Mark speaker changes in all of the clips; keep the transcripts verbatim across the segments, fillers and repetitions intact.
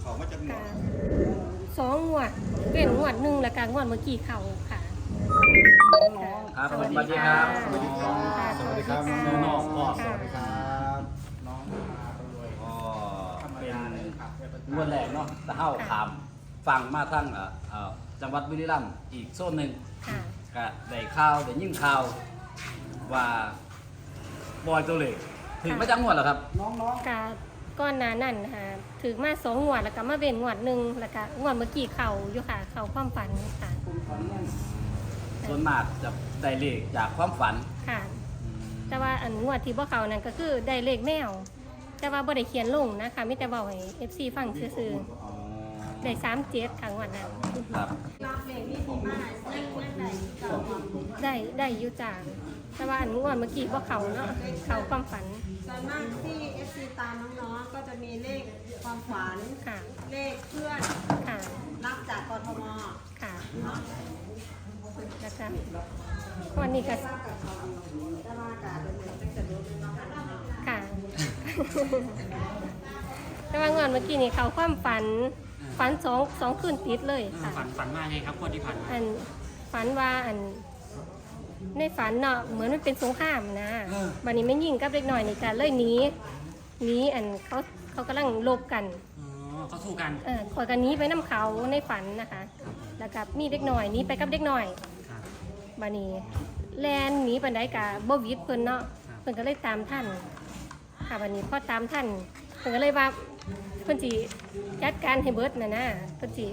Speaker 1: เขามาจากหมด
Speaker 2: สองงวดเป็นงวดหนึ่งแล้วก็งวดเมื่อกี้เขาค่ะ
Speaker 3: ครับสวัสดีครับ
Speaker 2: สวัสดีครับ
Speaker 3: น้องพ่อ
Speaker 1: สวัสดีครับน้อง
Speaker 3: ก็เป็นงวดแรกเนาะตะเฮาขามฟังมาทั้งจังหวัดบุรีรัมย์อีกโซนหนึ่งก็ได้ข่าวได้ยินข่าวว่าบอยตัวเล็กถึงมาจากงวดเหรอครับ
Speaker 2: น้องๆกาก้อนนานั่นค่ะถึงมาสองงวดแล้วก็มาเป็นงวดหนึ่งแล้วก็งวดเมื่อกี้เขาอยู่ค่ะเขาความฝันค่ะ
Speaker 3: ส่วนมากจะได้เลขจากความฝัน
Speaker 2: ค่ะแต่ว่าอันงวดที่พวกเขานั่นก็คือได้เลขแมวแต่ว่าบ่ได้เขียนลงนะคะมิแต่บอกให้ เอฟ ซี ฟังซื่อๆได้สามเจ็ดครั้งวันนั้น
Speaker 3: ครับ
Speaker 2: ได้ได้อยู่จากแต่ว่าอันงวดเมื่อกี้พวกเขาเนาะเขาความฝัน
Speaker 4: ส่วนมากที่ เอฟ ซี ตามน้องๆก็จะมีเลขความฝันเลขเพื่อนรับจากกทม
Speaker 2: ค่ะนะคะวันนี้ก็ค่ะแต่ว่างอนเมื่อกี้นี่เขาความฝันฝันสองสองคืนติดเลยค่ะ
Speaker 5: ฝันฝันว่าไงครับคนที่ผ่านมา
Speaker 2: อันฝันว่าอันในฝันเนาะเหมือนมันเป็นสงครามนะวันนี้ไม่ยิงกับเล็กหน่อยนี่กันเลยหนีหนีอันเขาเขากำลังลบกัน
Speaker 5: อ๋อเขาสู้กัน
Speaker 2: เออขอกันนี้ไปน้ำเขาในฝันนะคะแล้วกับมีเด็กหน่อยนี้ไปกับเด็กหน่อยบานี้แลนหนีปันไดกับบ่วิดเพิ่นเนาะเพิ่นก็เลยตามท่านค่ะบานี้พอตามท่านเพิ่นก็เลยว่าเพิ่นสิจัดการให้เบิดน่ะนะเพิ่นสิ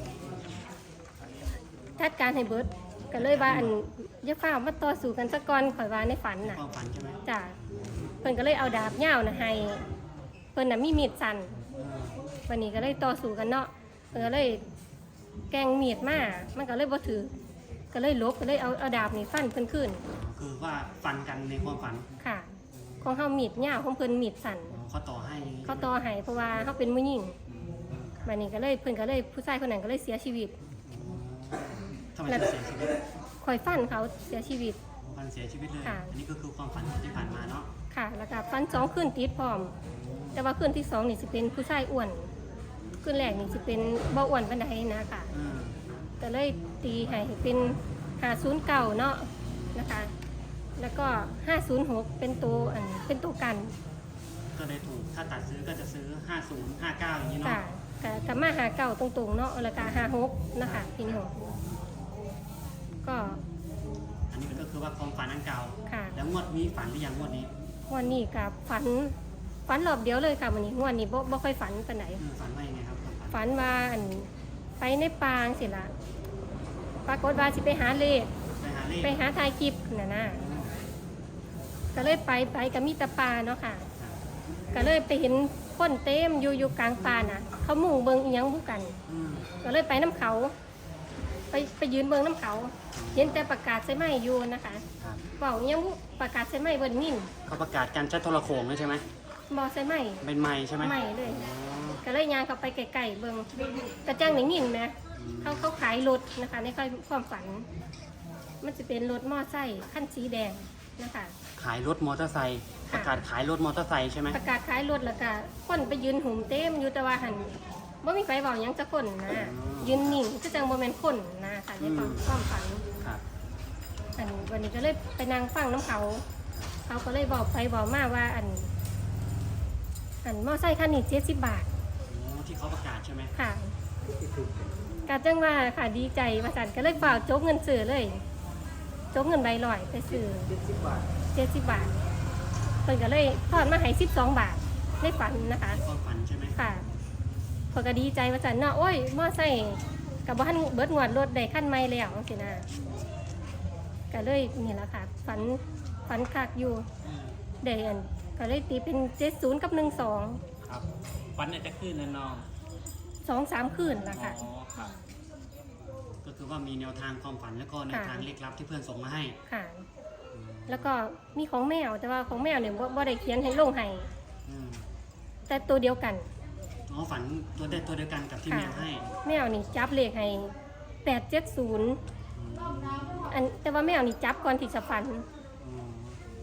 Speaker 2: จัดการให้เบิดก็เลยว่าอันอย่าฟ้าวมาต่อสู้กันสักก่อนข่อยว่าในฝันน่ะ
Speaker 5: ฝันใช่ไหม
Speaker 2: จ้ะเพิ่นก็เลยเอาดาบยาวน่ะให้เพิ่นน่ะมีมีดสั่นวันนี้ก็เลยต่อสู้กันเนาะเพิ่นก็เลยแกงมีดมามันก็เลยบ่ถือก็เลยลบก็เลยเอาเอาดาบนี่ฟันเพิ่นขึ้น
Speaker 5: คือว่าฟันกันในความฝัน
Speaker 2: ค่ะของเฮามีดยาวของเพิ่นมีดสั่น
Speaker 5: เขาต่อให้
Speaker 2: เขาต่อให้เพราะว่าเฮาเป็นผู้หญิงวันนี้ก็เลยเพิ่นก็เลยผู้ชายคนนั้นก็เลยเสียชีวิต
Speaker 5: ทำไมเสียชีวิต
Speaker 2: คอยฟันเขาเสียชีวิต
Speaker 5: ฟันเสียชีวิตเลยอันนี้ก็คือความฝันที่ผ่านมาเนาะ
Speaker 2: ค่ะแล้วก็ฟันสองคืนติดพร้อมแต่ว่าคืนที่สองนี่สิเป็นผู้ชายอ้วนคืนแรกนี่สิเป็นบ่อ้วนปานใดนะค่ะก็เลยตีให้เป็นห้าศูนย์เก้าเนาะนะคะแล้วก็ห้าศูนย์หกเป็นตัวอันเป็นตัวกัน
Speaker 5: ก็เลยถูกถ้าตัดซื้อก็จะซื้อห้าศูนย์ ห้าเก้าอย่างนี้เนาะ
Speaker 2: ค่ะกับมาหาเก้าตรงๆเนาะแล้วก็ห้าหกนะคะพี่น้องก็
Speaker 5: อันนี้ก็คือว่าความฝันอันเก่า
Speaker 2: ค่ะ
Speaker 5: แล้วงวดนี้ฝันหรือยังงวดนี้
Speaker 2: งวดนี้กับฝันฝันรอบเดียวเลยค่ะวันนี้งวดนี้บ่บ่ค่อยฝันปานไหน
Speaker 5: ฝันว่ายังไงครับ
Speaker 2: ฝันว่าอันไปในปางสิล่ะปรากฏว่าสิไปหาเลขไปหาถ่ายคลิปน่ะนะก็เลยไปไปกับมีตาปลาเนาะค่ะก็เลยไปเห็นคนเต็มอยู่อยู่กลางป่าน่ะเขามุ่งเบิ่งอีหยังบุกันก็เลยไปน้ำเขาไปไปยืนเบิ่งน้ำเขาเห็นแต่ประกาศใช่ไหมอยู่นะคะเป่าอีหยังบุประกาศใช่ไหมเบิ่งนิ่ง
Speaker 5: เขาประกาศการใช้โทรโขงใช่ไหม
Speaker 2: บอใช่ไหม
Speaker 5: เป็นไม้ใช่ไหม
Speaker 2: ไม่เลยก็เลยยางเขาไปไกลๆเบิ่งกระจ้างหนิงินไหมเขาเขาขายรถนะคะในความฝันมันจะเป็นรถมอไซค์ขั้นสีแดงนะคะ
Speaker 5: ขายรถมอเตอร์ไซค์ประกาศขายรถมอเตอร์ไซค์ใช่ไหม
Speaker 2: ประกาศขายรถแล้วก็คนไปยืนหุ่มเต็มอยู่แต่ว่าหันว่ามีไฟบอกยังจะคนนะยืนนิ่งก็จังโมเมนต์คนนะค่ะในความความฝันอันวันนี้ก็เลยไปนั่งฟังน้ำเขาเขาก็เลยบอกไปบอกมาว่าอันอันมอไซค์คันนี้เจ็ดสิบบาท
Speaker 5: ที่เขาประกาศใช่ไหม
Speaker 2: ค่ะกาจังว่าค่ะดีใจประจันก็เลยฝากโจ๊กเงินซื้อเลยโจ๊กเงินใบลอยไปซื้อเจ็ดสิบบาทเจ็ดสิบบาทเพิ่นก็เลยทอดมาให้สิบสองบาทในฝันนะคะ
Speaker 5: ความฝันใช่ไหม
Speaker 2: ค่ะเพิ่นก็ดีใจประจันเนาะโอ้ยมอไซค์กับบ้านเบิดงวดรถได้ขั้นไม่แล้วสินะก็เลยนี่แหละค่ะฝันฝันคักอยู่เดอันก็เลยตีเป็นเจ็ดศูนย์กับหนึ่งสอง
Speaker 5: ครับฝันอาจจะขึ้นนะน้อง
Speaker 2: สองสามคืนละค่ะ
Speaker 5: ก็คือว่ามีแนวทางความฝันแล้วก็แนวทางเลขลับที่เพื่อนส่งมาให้
Speaker 2: ค่ะแล้วก็มีของแมวแต่ว่าของแมวเนี่ยบ่ได้เขียนให้ลงให้แต่ตัวเดียวกัน
Speaker 5: อ๋อฝันตัวเดียวตัวเดียวกันกับที่แมวให้
Speaker 2: แมวนี่จับเลขให้แปดเจ็ดศูนย์อันแต่ว่าแมวนี่จับก่อนที่จะฝัน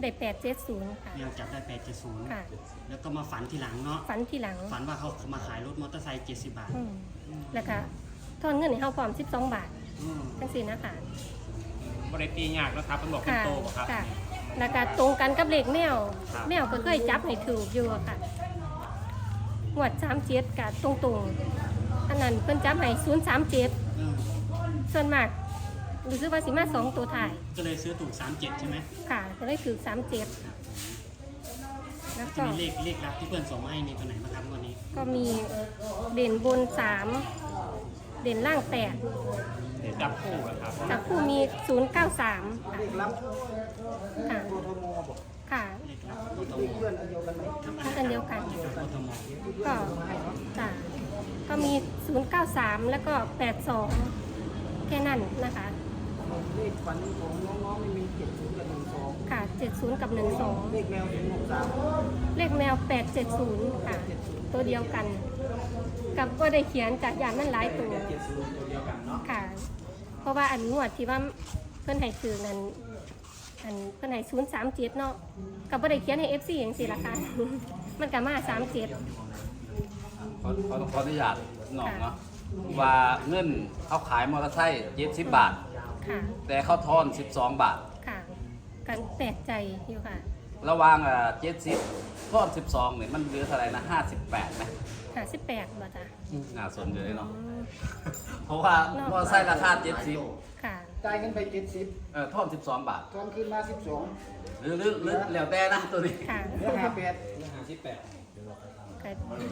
Speaker 2: ได้แปดเจ็ดศูนย์ค่ะ
Speaker 5: แมวจับได้แปดเจ็ดศูนย์
Speaker 2: ค่ะ
Speaker 5: แล้วก็มาฝันทีหลังเนาะ
Speaker 2: ฝันทีหลัง
Speaker 5: ฝันว่าเขามาขายรถมอเตอร์ไซค์เจ็ดสิบบาท
Speaker 2: อืมแล้วก็ทอนเงินให้เฮาพร้อมสิบสองบาท
Speaker 5: อืม
Speaker 2: จังซี่นะคะ
Speaker 6: บริตียากนะครับมันบอกเป็น
Speaker 2: ค่ะ
Speaker 6: โตบ่ครับ
Speaker 2: ค่ะแล้วก็ตรงกันกับเลขแมว
Speaker 6: ครับ
Speaker 2: แมวก็เคยจับให้ถูกอยู่อะค่ะงวดสามเจ็ดกับตรงๆอันนั้นเพิ่นจับให้ศูนย์สามเจ็ด
Speaker 5: อืม
Speaker 2: ส่วนมากรู้สึกว่าสิมาสองตัวถ่าย
Speaker 5: ก็เลยซื้อถูกสามเจ็ดใช่ไหม
Speaker 2: ค่ะก็เลยถือสามเจ็ดแล้ว
Speaker 5: จะ
Speaker 2: ก็
Speaker 5: มีเลขเลขลับที่เพื่อนส่งมาให้มีตัวไหนบ้างครับวันนี้
Speaker 2: ก็มีเด่นบนสามเด่นล่างแปด
Speaker 6: เดี๋ยวจับคู่อะครับ
Speaker 2: จากคู่มีศูนย์เก้าสาม
Speaker 1: เลขลับ
Speaker 2: ค่ะ
Speaker 1: โทรโมบอก
Speaker 2: ค่ะ
Speaker 5: เลขลับโอท
Speaker 1: มี
Speaker 5: ม
Speaker 1: เพื่อนอันเดียวกันไหม
Speaker 2: อันเดียวกัน
Speaker 5: โอทม
Speaker 2: ก็จ้ะก็มีศูนย์เก้าสามแล้วก็แปดสองแค่นั้นนะคะ
Speaker 1: เลขฝันของน้องๆไม่มีเจ็ดศูนย์กับหนึ่งสอง
Speaker 2: ค่ะเจ็ดศูนย์กับหนึ่งสอง
Speaker 1: เลขแมวถึงหกสาม
Speaker 2: เลขแมวแปดเจ็ดศูนย์ค่ะ ตัวเดียวกัน กับก็ได้เขียนจากอย่างนั้นหลายตัว
Speaker 1: เจ็ดศูนย์ตัวเดียวกันเนาะ
Speaker 2: ค่ะ เพราะว่าอันงวดที่ว่าเพื่อนให้ซื้อนั้นอันเพื่อนให้ศูนย์สามเจ็ดเนาะกับก็ได้เขียนให้เอฟซีอย่างสี่ละค่ะ มันกับมาสามเจ็ด
Speaker 3: ขอขอขออนุญาตน้องเนาะว่าเงินเขาขายมอเตอร์ไซค์เจ็ดสิบบาท
Speaker 2: ค่ะ
Speaker 3: แต่เขาทอนสิบสองบาท
Speaker 2: ค่ะ กันแปลกใจอยู่ค่ะ
Speaker 3: ระหว่างอ่าเจ็ดสิบทอนสิบสองเนี่ยมันเหลือเท่าไหร่นะห้าสิบแปดไหม
Speaker 2: หาสิบแปดบ่จ้ะ
Speaker 3: น่าสนเลยเนาะ
Speaker 2: อืม
Speaker 3: เพราะว่ามอเตอร์ไซค์ราคาเจ็ดสิบ
Speaker 2: ค่ะ
Speaker 1: จ่ายเงินไปเจ็ดสิบ
Speaker 3: เออทอนสิบสองบาท
Speaker 1: ทอนคืนมาสิบสอง
Speaker 3: หรือหรือหรือแล้วแต่นะตัวนี้
Speaker 2: ค่ะ
Speaker 1: เหลือห้าแปด
Speaker 2: ก็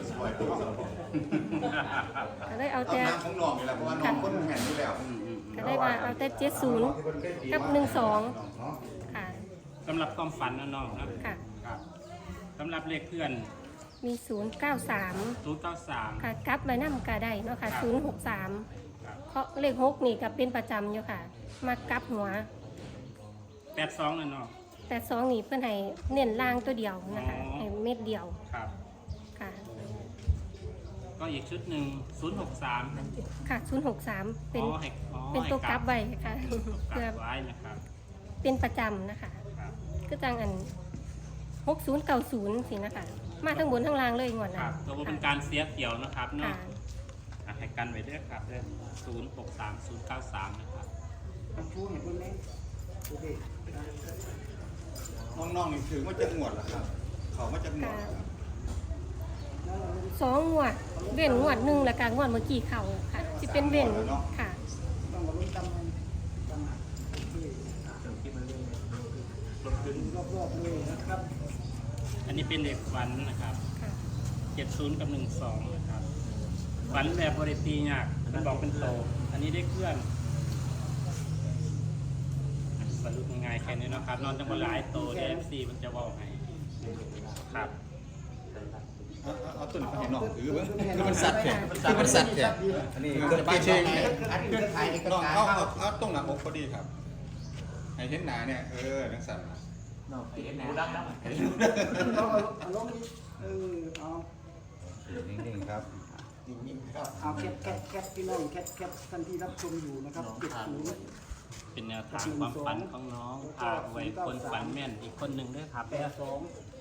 Speaker 2: ก็ได้เอาแต่
Speaker 7: น้ำของน้องนี่แหละเพราะว่าน้องคนแห่งอยู่แล้ว
Speaker 2: ก็ได้ว่าเอาแต่เจ็ดศูนย์กับหนึ่งสองค่ะ
Speaker 6: สำหรับความฝันนะน้องนะ
Speaker 2: ค่ะ
Speaker 6: ครับสำหรับเลขเพื่อน
Speaker 2: มีศูนย์เก้าสาม
Speaker 6: ศูนย์เก้าสาม
Speaker 2: ค่ะกลับใบน้ำกาได้เนาะค่ะ
Speaker 6: ครับ
Speaker 2: ศูนย์หกสาม
Speaker 6: ครับ
Speaker 2: เพราะเลขหกนี่ก็เป็นประจำอยู่ค่ะ มากลับหัว
Speaker 6: แปดสองนะน้อง
Speaker 2: แต่สองนี่เพื่อนให้เน้นล่างตัวเดียวนะคะ
Speaker 6: อ๋อ
Speaker 2: ให้เม็ดเดียว
Speaker 6: ครับ
Speaker 2: ค่ะ
Speaker 6: ก็อีกชุดหนึ่งศูนย์หกสาม
Speaker 2: ค่ะศูนย์หกสามเป็น
Speaker 6: อ๋อให้อ๋อ
Speaker 2: เป็นตัว
Speaker 6: ให้
Speaker 2: กลับใบค่ะ
Speaker 6: ก
Speaker 2: เพื่อ
Speaker 6: ลับไว้นะครับ
Speaker 2: เป็นประจำนะคะ
Speaker 6: ครับ
Speaker 2: ก็จังอันหกศูนย์เก้าศูนย์สินะคะ มาทั้งบนทั้งล่างเลยงวด
Speaker 6: ค
Speaker 2: นะ
Speaker 6: รับตัวเป็นการเสียเกี่ยวนะครับเนาะ
Speaker 2: ค่ะ
Speaker 6: อ่ะให้กันไว้ด้วยครับเด้อศูนย์หกสามศูนย์เก้าสามนะครับ
Speaker 1: มันชูเห็นคนไหมโอเค
Speaker 7: น้องๆนี่ถือว่าจะงวดเหรอครับ เขาว่าจะงวดเหรอครับ
Speaker 2: สองงวดเว้นงวดหนึ่งแล้วก็งวดเมื่อกี้เขาค่ะที่เป็นเว้นค่ะ
Speaker 1: ต้องมาลุ้นตำมันตำหักรอบๆเลยนะครับ
Speaker 6: อันนี้เป็นเด็กฝันนะครับ
Speaker 2: ค่ะ
Speaker 6: เจ็ดศูนย์กับหนึ่งสองนะครับฝันแบบบริตียากมันบอกเป็นโต อันนี้ได้เคลื่อนอ่ะสรุปง่ายๆแค่นี้เนาะครับ นอนจังหวะหลายโตเอฟซีมันจะเว่าให้ครับ
Speaker 7: เอาเอาเอาต้นเขาเห็นน้องถือเบิ่งคือมันสัตว์แท้คือมันสัตว์แท้อันนี้จะไปเชิงอันเคลื่อนไทยน้องเอาเอาเอาตรงหน้าอกพอดีครับ ให้เห็นหน้าเนี่ยเออนังสัตว์นะ
Speaker 1: เอาเอาลงนี้เออเอา
Speaker 7: นิ่งๆครับ
Speaker 1: นิ่งๆครับเอาแคปแคปแคปพี่น้องแคปแคปท่านที่รับชมอยู่นะครับเจ็ดศูนย์
Speaker 6: เป็นแนวทางความฝันของน้องพาไว้คนฝันแม่นอีกคนหนึ่งด้วยครับ
Speaker 1: แปดสอง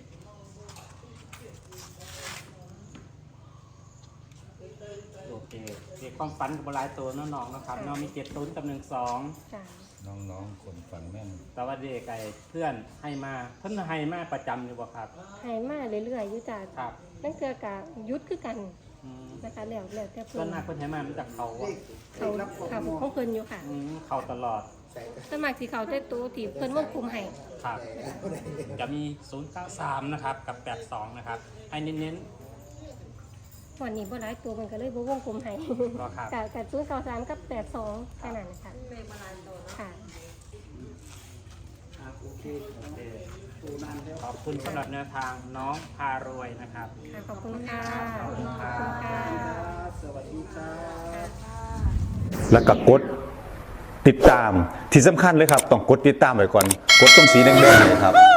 Speaker 6: โอเคเด็กความฝันกับบหลายตัวเน้องๆนะครับ น้องมีเจ็ดศูนย์กับหนึ่งสอง
Speaker 2: ค่ะ
Speaker 7: น้องๆคนฝันแม่น
Speaker 6: แต่ว่าเด็กไก่เพื่อนให้มาเพิ่นให้มาประจำอยู่บ่ครับ
Speaker 2: หายมาเรื่อยๆอยู่จ้ะ
Speaker 6: ครับ
Speaker 2: นั่นคือกะยุดคือกัน
Speaker 6: อืม
Speaker 2: นะคะแล้วแล้วแต่
Speaker 6: ส่
Speaker 2: เพิ่
Speaker 6: วน
Speaker 2: น
Speaker 6: มากเพิ่นให้มามันจากเขา
Speaker 1: เล
Speaker 6: อะ
Speaker 1: ขเล
Speaker 2: เขา
Speaker 1: ขรับของ
Speaker 2: ค่ะ
Speaker 1: หมอ
Speaker 2: ของเพิ่นอยู่ค่ะ
Speaker 6: อืมเขาตลอด
Speaker 2: สวนมัครสิเขาแต่ตัวที่เพิ่นวงคุมให้
Speaker 6: ครับ จะมี ศูนย์เก้าสาม นะครับ กับ แปดสอง นะครับ ให้เน้น
Speaker 2: วันนี้บ่หลายตัวมันก็เลยบ่วงกลมให้
Speaker 6: ก็ครับ
Speaker 2: กับกับศูนย์เก้าสามกับแปดสองแค่นั้นค่ะ
Speaker 4: เลขมาลายตัวเนาะ
Speaker 2: ค่ะ
Speaker 1: อ่ะโอเคตัวนานแล้ว
Speaker 6: ๆ ขอบคุณสำหรับแนวทางน้องพารวยนะครับ
Speaker 2: ค่ะ ขอบคุณค่ะ
Speaker 6: ขอบคุณค่ะ
Speaker 2: ขอบคุณค่ะ
Speaker 1: สวัสดีครับ
Speaker 8: แล้วก็กดติดตามที่สำคัญเลยครับ ต้องกดติดตามไว้ก่อน กดตรงสีแดงๆเนยครับ